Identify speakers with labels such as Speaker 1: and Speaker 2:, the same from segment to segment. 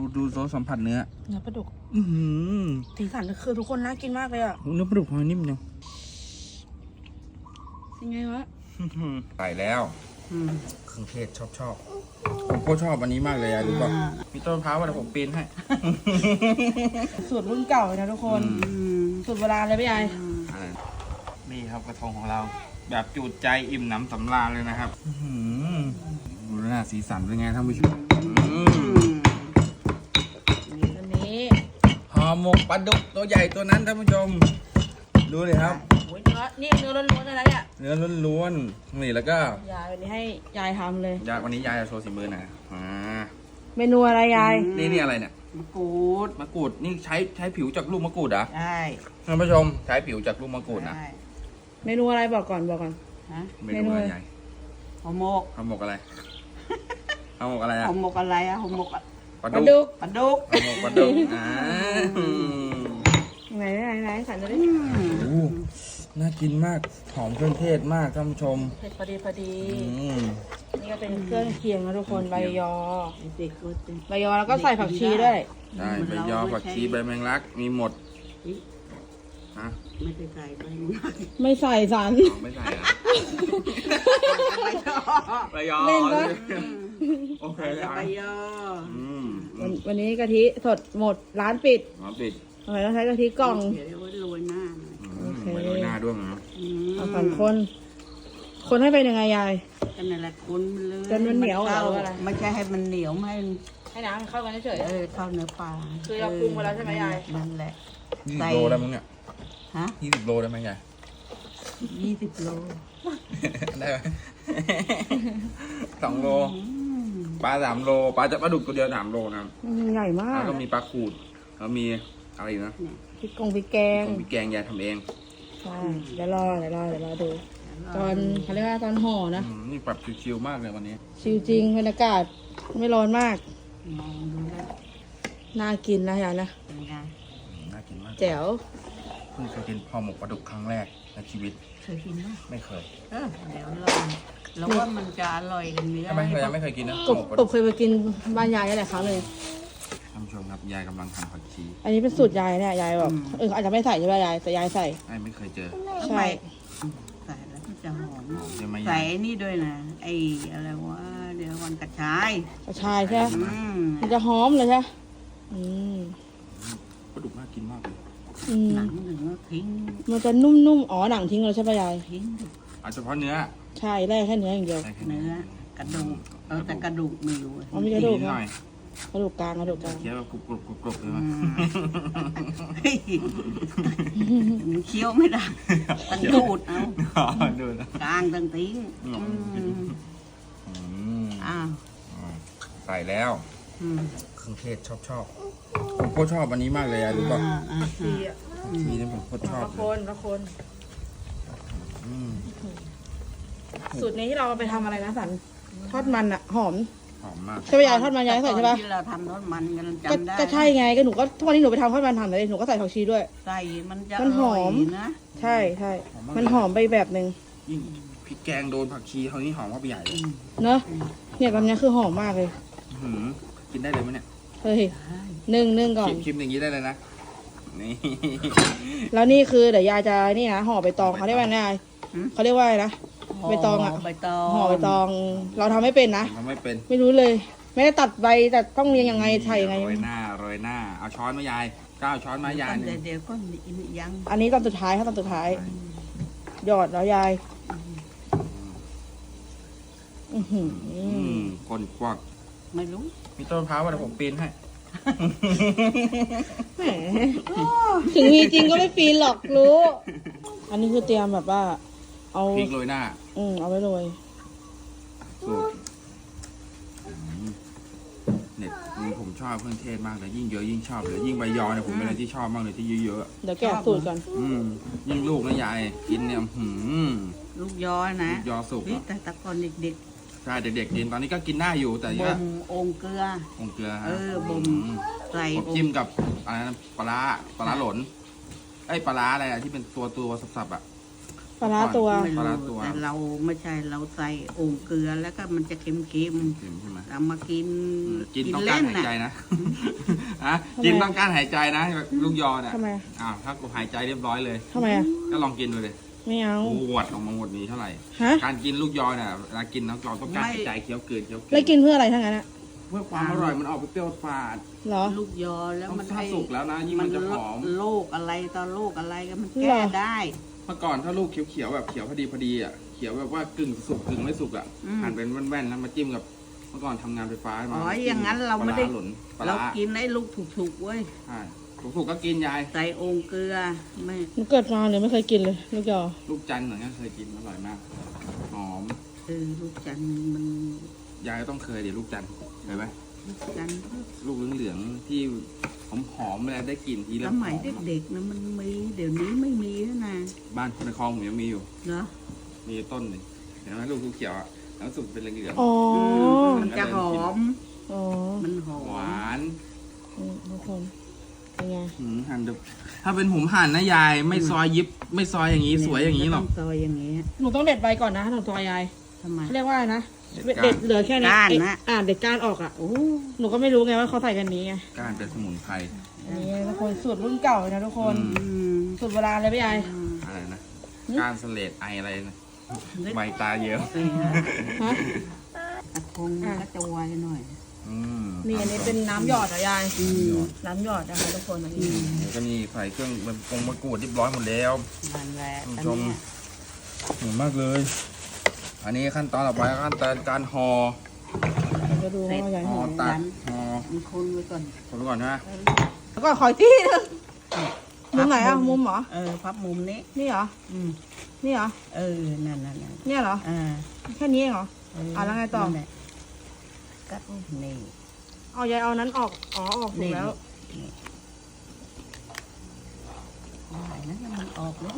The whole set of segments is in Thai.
Speaker 1: ดูซอสสัมผัสเนื้อ
Speaker 2: ปลาดุก
Speaker 1: สี
Speaker 2: สันคือทุกคนน่ากินมากเลยอ่ะ
Speaker 1: เนื้อปลาดุกหอยนิ่มเนาะ
Speaker 2: ยังไงวะ
Speaker 1: ใส่แล้วเครื่องเทศชอบผมก็ชอบอันนี้มากเลยรู้ป่ะมีต้นมะพร้าวว่าผมปีนให้
Speaker 2: สูตรรุ่นเก่าเลยนะทุกคนสูตรโบราณเลยพี่ใหญ่
Speaker 1: นี่ครับกระทงของเราแบบจูดใจอิ่มหนำสำราญเลยนะครับดูหน้าสีสันเป็นไงท่านผู้ชม
Speaker 2: อันนี้
Speaker 1: ห่อหมกปลาดุกตัวใหญ่ตัวนั้นท่านผู้ชมดูเลยครับ
Speaker 2: เนื้อนี่เนื้อล้วนๆเลยนะเนี่ย
Speaker 1: เนื้อล้วนๆนี่แล้วก็
Speaker 2: ยายวันนี้ให้ยายทำเลย
Speaker 1: วันนี้ยายจะโชว์สีมือนะ
Speaker 2: เมนูอะไรยาย
Speaker 1: นี่อะไรเนี่ย
Speaker 3: มะกรู
Speaker 1: ดนี่ใช้ผิวจากลูกมะกรูดเหรอ
Speaker 3: ใช่
Speaker 1: ท่านผู้ชมใช้ผิวจากลูกมะกรูดนะ
Speaker 2: เมนูอะไรบอกก่อน
Speaker 1: เมนูอะไร
Speaker 3: ห่อหมก
Speaker 1: อะไรห่อหมกอะไร
Speaker 3: ห่อหมกอะไรห่อหมก
Speaker 2: ปลาดุก
Speaker 1: ห่อหมกปลาดุก
Speaker 2: ไหนสั่นเลย
Speaker 1: น่ากินมากหอมเครื่องเทศมากท่านผู้ชม
Speaker 2: เผ็ดพอดีนี่ก็เป็นเครื่องเคียงนะทุกคนใบยอแล้วก็ใส่ผักชีด้วย
Speaker 1: ได้ใบยอผักชีใบแมงลักมีหมด
Speaker 3: ไม่ใส่ใบแมงลัก
Speaker 2: ไม่ใส่สัน
Speaker 1: ไม่ใส่ใบยอ
Speaker 2: เล่นปะ
Speaker 1: โอเค
Speaker 3: ใบยอ
Speaker 2: วันนี้กะทิสดหมดร้านปิดทำไมต้องใช้กะทิกล่อง
Speaker 3: โรยหน้า
Speaker 1: ไม่โรยหน้าด้วยนะ
Speaker 2: เอาสองคนให้เป็นยังไงยาย
Speaker 3: กันนั่นแหละคนเลย
Speaker 2: จนมันเหนียวหรืออะไร
Speaker 3: ไม่ใช่ให้มันเหนียว
Speaker 2: ให้น้ำเข้ากันเฉย
Speaker 3: เข้าเนื้อปลา
Speaker 2: คือเราปรุงมาแล้วใช่ไหมยาย
Speaker 3: นั่นแหละ
Speaker 1: 20 โลได้มั้งเนี่ย20 โลได้ไหมยาย
Speaker 3: 20 โล
Speaker 1: ได้ไหม2 โลปลา3 โลปลาดุกตัวเดียว3 โลนะ
Speaker 2: ใหญ่มาก
Speaker 1: แล้วก็มีปลาขูดแล้วมีอะไรนะ
Speaker 2: พริกแกง
Speaker 1: ยายทำเอง
Speaker 2: ใช่เดี๋ยวรอดูตอนเขาเรียกว่าตอนห่อนะ
Speaker 1: นี่ปรับชิวๆมากเลยวันนี้
Speaker 2: ชิวจริงบรรยากาศไม่ร้อนมากน่ากินนะยายนะ
Speaker 1: น่ากินมาก
Speaker 2: แจ๋ว
Speaker 1: เพิ่งเคยกินห่อหมกปลาดุกครั้งแรกในชีวิต
Speaker 3: เคยกินไหม
Speaker 1: ไม่เคย
Speaker 3: เดี๋ยวแล้วว่ามันจะอร่อยกันเนื้อ
Speaker 1: ไม่เคยกินนะ
Speaker 2: กบเคยไปกินบ้านยายหลายครั้งเลย
Speaker 1: ท่านผู้ชมครับยายกำลังทำผักชี
Speaker 2: อันนี้เป็นสูตรยายเนี่ยยายบอกอาจจะไม่ใส่ใช่ไหมยายแต่ยายใส่
Speaker 1: ไม่เคยเจอ
Speaker 2: ใช่
Speaker 3: ใส่แล้วจะหอมใส่นี่ด้วยนะไอ้อะไรวะเดี๋ยววันกระชาย
Speaker 2: ใช่มันจะหอมเลยใช่
Speaker 1: ปลาดุกน่ากินมากเลย
Speaker 3: หนังถึงทิ้ง
Speaker 2: มันจะนุ่มๆหนังทิ้งเลยใช่ไหมยาย
Speaker 3: ทิ้ง
Speaker 1: เฉพาะเนื้อ
Speaker 2: ใช่แรกแค่เนื้ออย่างเดียว
Speaker 3: เนื้อกระดูกแต่กระดูกไม่รู้
Speaker 2: มีกระดูกไหมกระดูกกลาง
Speaker 1: เคี้ยวกรุบเลยมั้ย
Speaker 3: เคี้ยวไม่ได้ตั้งดูดเอากลางตั้งทิ้ง
Speaker 1: ใส่แล้วเครื่องเทศชอบผมก็ชอบอันนี้มากเลยรู้ป่ะชีนี่ผมก็ชอบ
Speaker 2: ละคนสูตรนี้ที่เราไปทำอะไรนะสันทอดมันอะหอม
Speaker 1: มาก
Speaker 2: ใช่ไหมยายทอดมันยายใส่ใช่ปะ
Speaker 3: ที่เราทำทอดมันกันจำได้
Speaker 2: ก็ใช่ไงก็หนูก็ทุกวันนี้หนูไปทำทอดมันทำเลยหนูก็ใส่ผักชีด้วย
Speaker 3: ใส่มันจะ
Speaker 2: หอมนะใช่มันหอมไปแบบนึง
Speaker 1: ยิ่งพริกแกงโดนผักชีเขานี่หอมเข้าไปใหญ่เลย
Speaker 2: เนอะเนี่ยตอนนี้คือหอมมากเลย
Speaker 1: กินได้เลยไหมเนี่ย
Speaker 2: เฮ้ยนึ่งก่อน
Speaker 1: ชิมอย่างนี้ได้เลยนะนี่
Speaker 2: แล้วนี่คือเดี๋ยวยายจะนี่นะห่อใบตองเขาเรียกว่าไงเขาเรียกว่าอะไรนะใบตองอ่ะห่อใบตองเราทำไม่เป็นนะไม่รู้เลยไม่ได้ตัดใบแต่ต้องเรียงยังไงใส่ยังไง
Speaker 1: โรยหน้าเอาช้อนมายายก้าวช้อนมายาย
Speaker 3: เดี๋ยวก็ยัง
Speaker 2: อันนี้ตอนสุดท้ายครับตอนสุดท้ายหยอดแล้วยาย
Speaker 1: คนกวัก
Speaker 3: ไม่รู้
Speaker 1: มีต้นมะพร้าวว่าผมปีนให้
Speaker 2: แหมถึงมีจริงก็ไม่ปีนหรอกรู้อันนี้คือเตรียมแบบว่าเอา
Speaker 1: พริกโรยหน้า
Speaker 2: เอาไว้โรย
Speaker 1: เนี่ยผมชอบเครื่องเทศมากเลยยิ่งเยอะยิ่งชอบเลยยิ่งใบยอเนี่ยผมเป็นอะไรที่ชอบมากเลยที่เยอะ
Speaker 2: ๆเดี๋ยวแกะสูตรก่อน
Speaker 1: ยิ่งลูกนะยายกินเนี่ย
Speaker 3: ลูกยอนะ
Speaker 1: ยอสุก
Speaker 3: แต่ตะกอนเด็ก
Speaker 1: ๆใช่เด็กๆกินตอนนี้ก็กินได้อยู่แต่
Speaker 3: บ่มองเกลือบ่มใส่
Speaker 1: จิ้มกับอะไรนะปลาหลนไอ้ปลาอะไรที่เป็นตัวสับๆอ่ะ
Speaker 2: ปลาร้าตัว
Speaker 3: ไม่
Speaker 1: ปลาร้า
Speaker 3: รู้
Speaker 1: ตัว
Speaker 3: แต่เราไม่ใช่เราใส่โอ่งเกลือแล้วก็มันจะเค็ม
Speaker 1: เค็มใช่ไหม
Speaker 3: ๆเอามากิน
Speaker 1: กินต้องการหายใจ
Speaker 3: น่ะ
Speaker 1: นะอะกินต้องการหายใจนะลูกยอเนี่ย
Speaker 2: ทำไม
Speaker 1: ถ้ากูหายใจเรียบร้อยเลย
Speaker 2: ทำไมอ่ะ
Speaker 1: ก็ลองกินดูเลย
Speaker 2: ไม่เอา
Speaker 1: หวดออกมาหมดนี้เท่าไหร่
Speaker 2: ฮะ
Speaker 1: การกินลูกยอเนี่ยเวลากินน้ำยอต้องการหายใจเคี้ยวเกิน
Speaker 2: แล้วกินเพื่ออะไรทั้งนั้นอะ
Speaker 1: เพื่อความอร่อยมันออกไปเปรี้ยวฝาด
Speaker 2: เหรอ
Speaker 3: ลูกยอแล้ว
Speaker 1: ต้อง
Speaker 3: มัน
Speaker 1: ถ้าสุกแล้วนะยิ่งมันจะหอม
Speaker 3: โรคอะไรต่อโรคอะไรก็มัน
Speaker 2: เหร
Speaker 3: แก้
Speaker 2: อ
Speaker 3: ได้
Speaker 1: เมื่อก่อนถ้าลูกเขียวๆแบบเขียวพอดีอ่ะเขียวแบบว่ากึ่งสุกกึ่งไม่สุกอ่ะหั่นเป็นแว่นๆแล้วมาจิ้มกับเมื่อก่อนทำงานไฟฟ้า
Speaker 3: อ๋ออย่างนั้นเราไม่ได้
Speaker 1: ปลหล่นปลา
Speaker 3: เรา
Speaker 1: ร้า
Speaker 3: กินไอ้ลูกถูกๆเว้ย
Speaker 1: ใช่ถูกๆก็กินยาย
Speaker 3: ใส่โอ่งเกลือไม่
Speaker 2: หนูเกิดมาเนี่ยไม่เคยกินเลยลูกยอ
Speaker 1: ลูกจันทร์เหมือนกันเคยกินอร่อยมากหอม
Speaker 3: ลูกจันทร์มัน
Speaker 1: ยายก็ต้องเคยดิลูกจันทร์เคยไหม
Speaker 3: ลูกจันทร์
Speaker 1: ลูกเหลืองๆที่หอมๆเวลาได้กลิ่นที
Speaker 3: ส
Speaker 1: แล้ว
Speaker 3: มัยเด็กๆนะมันมีเดี๋ยวนี้ไม่มีแล้วนะ
Speaker 1: บ้านในคลองผมยังมีอยู่
Speaker 3: เนาะ
Speaker 1: มีต้นหนึ่งเห็นไหมลูกเขียวๆอ่ะแล้วสุกเป็นเหลือง
Speaker 2: อ๋อ
Speaker 3: มันจะหอม
Speaker 2: อ๋อ
Speaker 3: มันหอ
Speaker 1: ๆ
Speaker 3: ม
Speaker 1: หวาน
Speaker 2: ทุกคนเป็นไง
Speaker 1: หั่นแบบถ้าเป็นผมหั่นนะยายไม่ซอยยิบไม่ซอยอย่างนี้สวยอย่างนี้หรอก
Speaker 3: ต้ซอยอย่างนี้
Speaker 2: หนูต้องเด็ดใบก่อนนะหนูตัวยาย
Speaker 3: ทำไม
Speaker 2: เขาเรียกว่าอะไรนะ
Speaker 1: เด็ดก้าน
Speaker 2: เด็ดเหลือแค่นี้
Speaker 3: ก้านนะ
Speaker 2: เด็ดก้านออกอ่ะ
Speaker 3: โอ้
Speaker 2: หนูก็ไม่รู้ไงว่าเขาใส่กันนี้ไง
Speaker 1: ก้านเป็นสมุนไพร
Speaker 2: อันนี้ทุกคนสูตรรุ่นเก่าเลยนะทุกคน
Speaker 1: อื
Speaker 2: สูตรโบราณเลยพี่ยาย
Speaker 1: อะไรนะก้านเสลดไออะไรนะใบตาเยอะ
Speaker 2: ฮะ
Speaker 3: กระทงมันก็จะไวหน่อย
Speaker 2: นี่อันนี้เป็นน้ำหยอดเหรอยายน้ำหยอดนะคะทุกคนอันนี้
Speaker 1: แล้วก็นี่ใส่เครื่องมันปรุงมะกรูดเรียบร้อยหมดแล้ว
Speaker 3: นั่นแหละ
Speaker 1: คุณ
Speaker 3: อัน
Speaker 1: ผู้ชม
Speaker 3: เนี้ย
Speaker 1: หอมมากเลย อันนี้ขั้นตอนต่อไปขั้นตอนการห่อ
Speaker 2: เราจะดูว่ายาย
Speaker 1: ห่
Speaker 2: ห
Speaker 1: อ
Speaker 2: อม
Speaker 1: ตัดห่อ
Speaker 3: มันคนไว้ก่อน
Speaker 1: คนไปก่อนนะ
Speaker 2: แล้วก็ขอยที่นึงมุมไหนอ่ะมุมเหรอ
Speaker 3: พับมุมนี้
Speaker 2: นี่เหรอ
Speaker 3: อืม
Speaker 2: นี่เหรอ
Speaker 3: นั่น
Speaker 2: เนี่ยเหรอ แค่นี้เองเหรอ แล้วไงต่อ
Speaker 3: นั่นแหละก็นี่
Speaker 2: เอายายเอานั้นออกอ๋อออกถูกแล้ว
Speaker 3: นี่ได้นะมันออกแล้ว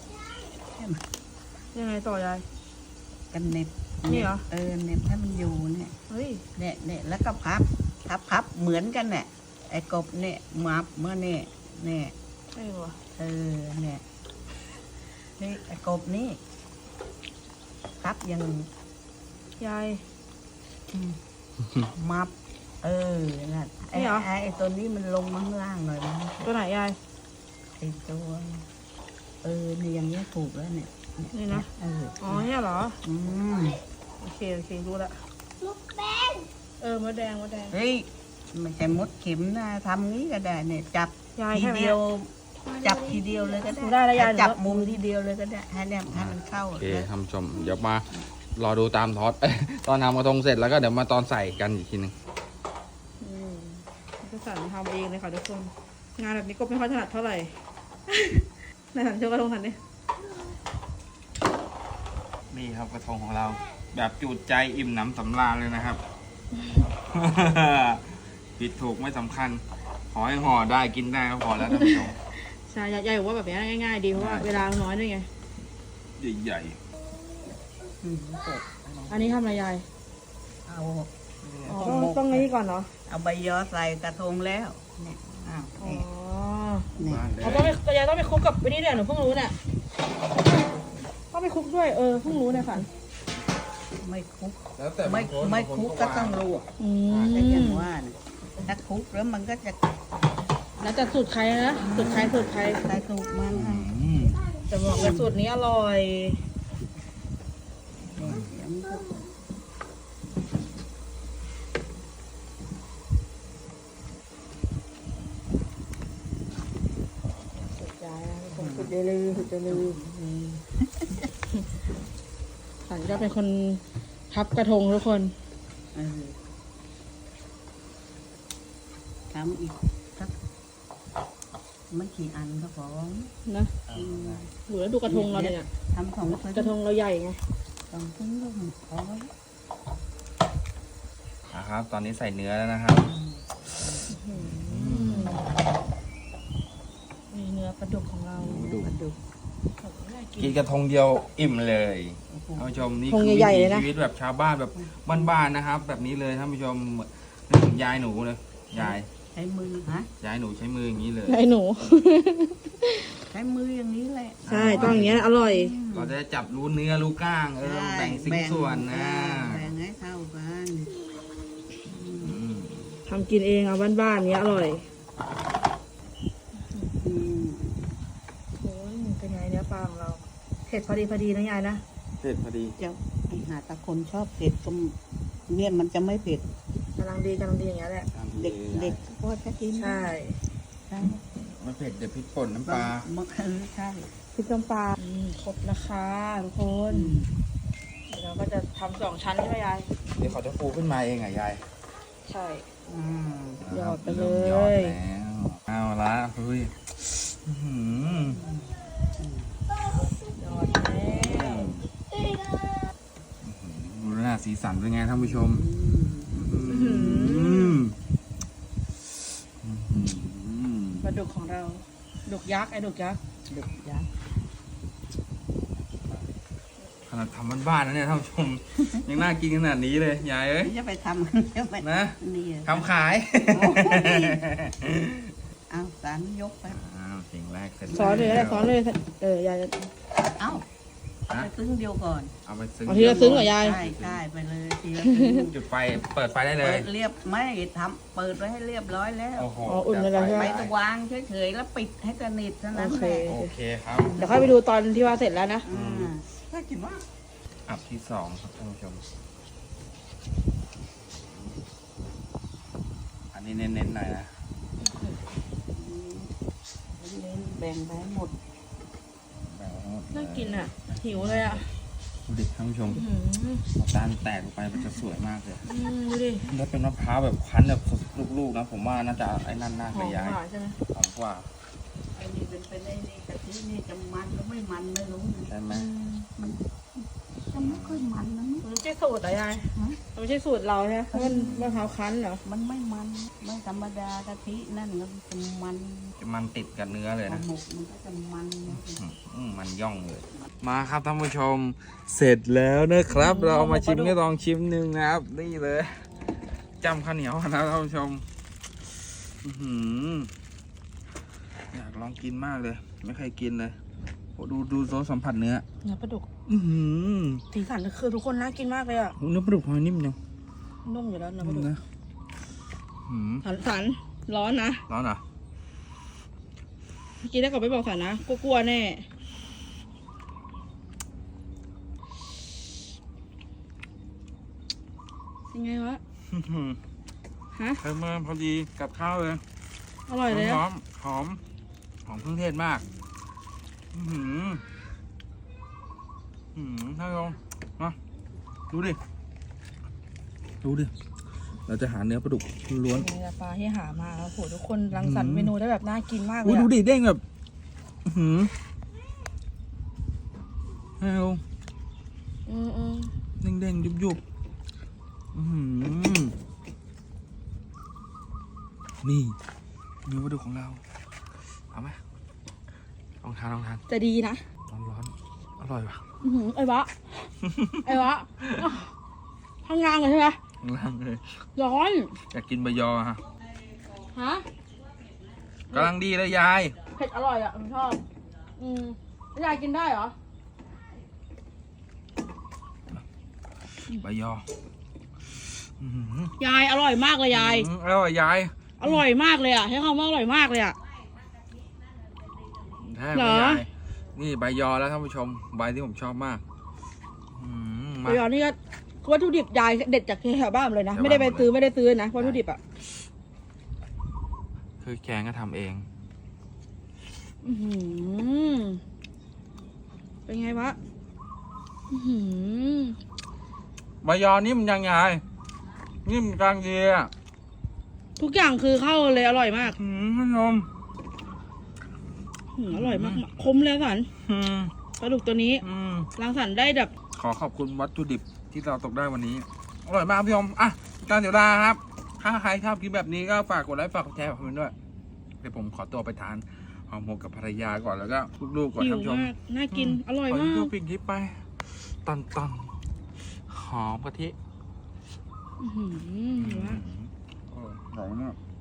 Speaker 2: ยังไงต่อยาย
Speaker 3: กันเน็บ
Speaker 2: นี่เหรอ
Speaker 3: เน็บให้มันอยู่เนี่ย
Speaker 2: เฮ้ย
Speaker 3: เนี่ยแล้วก็พับเหมือนกันเนี่ยไอ้กบเนี่ยมับเมื่อเนี่ยเนี่ย
Speaker 2: ใช่ปะ
Speaker 3: เนี่ยนี่ไอ้กบนี่พับยัง
Speaker 2: ยาย
Speaker 3: มับนั่นไอ้
Speaker 2: นี่เหรอ
Speaker 3: ไอ้ตัวนี้มันลงมาข้างล่างหน่อยนะ
Speaker 2: ตัวไหนยาย
Speaker 3: ไอ้ตัวนี่อย่างเงี้ยถูกแล้วเนี่ย
Speaker 2: นี่นะ อ๋อเนี่ยเหรอ
Speaker 3: อืม
Speaker 2: โอเครู้ละมดแดงมดแดง
Speaker 3: เฮ้ยไม่ใช่มดเข็มนะทำงี้ก็ได้เนี่ยจับ
Speaker 2: ยาย
Speaker 3: ที
Speaker 2: ใช่ไหม
Speaker 3: เดียว จับทีเดียวเลยก็
Speaker 2: หนู
Speaker 3: ได้
Speaker 2: ได้แล้วยาย
Speaker 3: จับมุมทีเดียวเลยก็ได้ให้เนี่ยให้มันเข้า
Speaker 1: โอเคท่านผู้ชมเดี๋ยวมารอดูตามทอด ตอนทำกระทงเสร็จแล้วก็เดี๋ยวมาตอนใส่กันอีกทีหนึง
Speaker 2: ก็สั่นทำเองเลยค่ะทุกคน งานแบบนี้ก็ไม่ค่อยถนัดเท่าไหร่ ในสันเชื่อกระทงสันนี่นี่ครับกระทงของเรา แบบจูดใจอิ่มหนำสำราญเลยนะครับ ผิดถูกไม่สำคัญ ขอให้ห่อได้กินได้ก็พอแล้วท่านผู้ชม ใช่ยายบอกว่าแบบนี้ง่ายๆดีเพราะว่าเวลาน้อยด้วยไง
Speaker 1: ใหญ่
Speaker 2: อันนี้ทำอะไรยาย
Speaker 3: เอา
Speaker 2: อ๋อต้องนี้ก่อนเนาะ
Speaker 3: เอาใบยอใส่กระทงแล้วเนี่ยอ้าว
Speaker 2: อ๋อ
Speaker 3: เนี่ย
Speaker 2: เขาต้องไปยายต้องไปคลุกกับไอ้นี่เนี่ยหนูเพิ่งรู้เนี่ยต้องไปคลุกด้วยเพิ่งรู้เนี่ยฝัน
Speaker 3: ไม่คุก
Speaker 1: ๆแล้วแต่
Speaker 3: ไม่คุกก็ต้องลวก
Speaker 2: อื
Speaker 3: แต่อย่าง
Speaker 2: ม
Speaker 3: ว่าเนี่ยถ้าคุกแล้วมันก็จะ
Speaker 2: แล้วแต่สูตรใครนะสูตรใคร
Speaker 3: ใส่สูตรมันให้
Speaker 2: แต่บอกว่าสูตรนี้อร่อย
Speaker 3: เดี๋ยวมันก็
Speaker 2: สุดยอดนะสุดยอดเลยสุดยอดเลยฝันก็เป็นคนพับกระทงทุกคน
Speaker 3: ทำอีกสักไม่กี่อันก็พอ
Speaker 2: นะหนูแล้วดูกระทงเราเนี่ย
Speaker 3: ทำของ
Speaker 2: กระทงเราใหญ่ไง
Speaker 3: ของทิ้งก็พอ
Speaker 1: นะครับ ตอนนี้ใส่เนื้อแล้วนะครับ
Speaker 2: มีเนื้อปลาดุกของเรา
Speaker 3: กระดูก
Speaker 1: กินกระทงเดียวอิ่มเลยท่านผู้ชมนี่
Speaker 2: ทง
Speaker 1: คือวิ
Speaker 2: ใหญ่
Speaker 1: ถี
Speaker 2: ๆเลยนะ
Speaker 1: ชีวิตแบบชาวบ้านแบบบ้านๆนะครับ แบบนี้เลยท่านผู้ชมนึกถึงยายหนูเลยยาย
Speaker 3: ใช้มือฮะ
Speaker 1: ยายหนูใช้มืออย่างนี้เลย
Speaker 2: ไอ้หนู
Speaker 3: ใช้มืออย่างนี้แหละ
Speaker 2: ใช่ต้องอย่างเงี้ยอร่อย
Speaker 1: เราจะได้จับรู้เนื้อรู้กล้างแบ่งสิ่งส่วนนะ
Speaker 3: แบ่งให้เท่ากัน
Speaker 2: ทำกินเองเอาบ้านๆเนี้ยอร่อย
Speaker 3: อืม
Speaker 2: โอ้ยเป็นไงเนื้อปลาของเราเผ็ดพอดีนะยายนะ
Speaker 1: เผ็ดพอดี
Speaker 3: จะไอหาตะคนชอบเผ็ดก็เนี่ยมันจะไม่เผ็ด
Speaker 2: กำลังดีอย่างเงี้ยแหละ
Speaker 3: เด็กเด็กก็จะกิน
Speaker 2: ใช่
Speaker 3: ใช่
Speaker 1: ไม่เผ็ดเดี๋ยวพริกป่นน้ำปลา
Speaker 3: มันใช่
Speaker 2: พริกน้ำปลาครบนะคะทุกคนเดี๋ยวเราก็จะทำ2 ชั้นใช่ไหมยาย
Speaker 1: เดี๋ยวเขาจะฟูขึ้นมาเองอ่ะยาย
Speaker 2: ใช่
Speaker 3: อืม
Speaker 2: หยอดไปเลย
Speaker 1: หยอดแล้วเอาละเฮ้ยอื้อหือ
Speaker 2: หยอดแล้ว
Speaker 1: ดูหน้าสีสันเป็นไงท่านผู้ชม
Speaker 2: ปลาดุกของเราดุกยักษ์ไอ้ดุกยักษ์
Speaker 3: เด็กยักษ์
Speaker 1: ขนาดทำบ้านๆนะเนี่ยท่านผู้ชม ยังน่ากินขนาดนี้เลยยายเอ้ย
Speaker 3: จะไปทำเดี๋ยวไป
Speaker 1: นะ
Speaker 3: นี่
Speaker 1: ทำขาย
Speaker 3: เอาสารยกไป
Speaker 1: อ้าวสิ่งแรกเสร็จ
Speaker 2: สอนเลยก็ได้สอนเลยยายจะ
Speaker 3: เอาไปซึ้งเดียวก่อน
Speaker 1: เอาไปซึ้ง
Speaker 2: เอาทีละซึ้งเหรอยาย
Speaker 3: ใช่ใช่ไปเลยทีละซึ้ง
Speaker 1: จุดไฟเปิดไฟได้เล
Speaker 3: เปิ
Speaker 1: ย
Speaker 3: ดเรียบไม่ทำเปิดไว้ให้เรียบร้อยแล้ว
Speaker 1: โอ้โห
Speaker 2: อ๋ออุ่นไปแล้วใช่
Speaker 3: ไป
Speaker 2: ไหม
Speaker 3: ตะวางเฉยๆแล้วปิดให้สนิทเท่านั้น
Speaker 2: โอเค
Speaker 3: แหละ
Speaker 1: โอเคครับ
Speaker 2: เดี๋ยวค่อยไปดูตอนที่ว่าเสร็จแล้วนะ
Speaker 3: อืมน่ากินมาก
Speaker 1: อับที่สองครับท่านผู้ชม อันนี้เน้นๆหน่อยนะ
Speaker 3: แบ่งไปให้หมด
Speaker 2: น่ากินอ่ะ หิวเลยอ่ะ
Speaker 1: ดูดิท่านผู้ชม
Speaker 2: อื้อหือ
Speaker 1: เอาด้านแตกออกไปมันจะสวยมากเลย
Speaker 2: ดูดิ
Speaker 1: ถ้าเป็นมะพร้าวแบบคั้นแบบลูกๆนะผมว่าน่าจะไอ้นั่นน่า
Speaker 2: ห
Speaker 1: จะ
Speaker 2: อม
Speaker 1: ย้าย
Speaker 2: หวานใช่ไหม
Speaker 1: หอมกว่า
Speaker 3: ไอ้นี่เป็นไอ้นี่กะทินี่จะมันหรือไม่มันไม่รู้นะ
Speaker 1: ใช่ไหม
Speaker 3: มันจะไม่ค่อยมันนะ
Speaker 2: มันไม่ใช่สูตรเหรอยายมันไม่ใช่สูตรเราใช่ไหมเพราะมันมะพร้าวคั้นเหรอ
Speaker 3: มันไม่มันไม่ธรรมดากะทินั่นมันจะมัน
Speaker 1: จะมันติดกับเนื้อเลย
Speaker 3: ปลา
Speaker 1: นะ
Speaker 3: หมกมันก็จะมันนะ
Speaker 1: มันย่องเลย มาครับท่านผู้ชมเสร็จแล้วนะครับ เราเอามาชิมก็ลองชิมหนึ่งนะครับ นี่เลยจำข้าวเหนียวนะท่านผู้ชมอื้อหืออยากลองกินมากเลย ไม่เคยกินเลยโอ้ดูโซสัมผัสเนื้อ
Speaker 2: เนื้อปลาดุก
Speaker 1: อื้อหือ
Speaker 2: สีสันคือทุกคนน่ากินมากเลยอ่ะ
Speaker 1: เนื้อปลาดุกทำไมนิ่มจัง
Speaker 2: นุ่มอยู่แล้วเนื้อปลาดุก
Speaker 1: นะหืม
Speaker 2: สันร้อนนะ
Speaker 1: ร้อนเหรอ
Speaker 2: เมื่อกี้ได้กลับไปบอกสันนะกลัวแน่ยังไงวะ
Speaker 1: อื้อหือ
Speaker 2: ฮะ
Speaker 1: เพิ่มมาพอดีกับข้าวเลย
Speaker 2: อร่อยเลย
Speaker 1: ห
Speaker 2: อะ
Speaker 1: อมหอมหอมเครื่องเทศมาก อื้อหือท่านผู้ชมมาดูดิ ดูดิ เราจะหาเนื้อปลาดุกล้วน
Speaker 2: นี่แหละปลาที่หามาแล้วโหทุกคนรังสรรค์เมนูได้แบบน่ากินมากเล
Speaker 1: อุ้ย
Speaker 2: ย
Speaker 1: ดู
Speaker 2: อะ
Speaker 1: ดิเด้งแบบ อื้อหือให้ดู
Speaker 2: อืม
Speaker 1: เด้งยุบอื้อหือนี่เนื้อปลาดุกของเรา เอาไหมลองทาน
Speaker 2: จะดีนะ
Speaker 1: ร้อนอร่อยป่ะ
Speaker 2: ไอ้วะ ไอ้วะข้างล่างเลยใช่ไหม
Speaker 1: ข้างล่างเลย
Speaker 2: ร้อน
Speaker 1: อยากกินใบยอฮะ
Speaker 2: ฮะ
Speaker 1: กำลังดีเลยยาย
Speaker 2: เผ็ดอร่อยอ่ะผมชอบยายกินได้เหรอ
Speaker 1: ใบยออื้อหือย
Speaker 2: ายอร่อยมากเลยยาย
Speaker 1: อร่อยยาย
Speaker 2: อร่อยมากเลยอ่ะใช้คำว่าอร่อยมากเลยอ่ะ
Speaker 1: แท้
Speaker 2: เห
Speaker 1: ไหม
Speaker 2: รอ
Speaker 1: ยายนี่ใบยอแล้วท่านผู้ชม ใบที่ผมชอบมากมา
Speaker 2: เดี๋ยวนี่ก็วัตถุดิบยายเด็ดจากแถวบ้านเลยนะ
Speaker 1: แถวบ้าน
Speaker 2: ไม่ได้ไปซื้อนะวัตถุดิบอ่ะ
Speaker 1: คือแกงก็ทำเอง
Speaker 2: อื้อหือเป็นไงวะอื้อหือ
Speaker 1: ใบยอนิ่มยังยายนิ่มกลางดีอ่ะ
Speaker 2: ทุกอย่างคือเข้าเลยอร่อยมาก
Speaker 1: ท่านผู้ชม
Speaker 2: อร่อยมากคมเลยสัน
Speaker 1: อืม
Speaker 2: ปลาดุกตัวนี้
Speaker 1: อืม
Speaker 2: รังสรรค์ได้แบบ
Speaker 1: ขอขอบคุณวัตถุดิบที่เราตกได้วันนี้ อร่อยมากพี่ชมอ่ะการเสียเวลาครับ ถ้าใครชอบคลิปแบบนี้ก็ฝากกดไลค์ฝากกดแชร์ฝากคอมเมนต์ด้วย เดี๋ยวผมขอตัวไปทานหอมหมกกับภรรยาก่อนแล้วก็ลูกๆก่อน
Speaker 2: หิ
Speaker 1: ท่า
Speaker 2: วน
Speaker 1: ผู้ชม
Speaker 2: มากน่ากินอร่อย
Speaker 1: ขอ
Speaker 2: มา
Speaker 1: ดู
Speaker 2: ก
Speaker 1: ปิ่งคลิปไปตอนหอมกะทิ
Speaker 2: อื้อหือเห็นไหม
Speaker 1: อร่อยมาก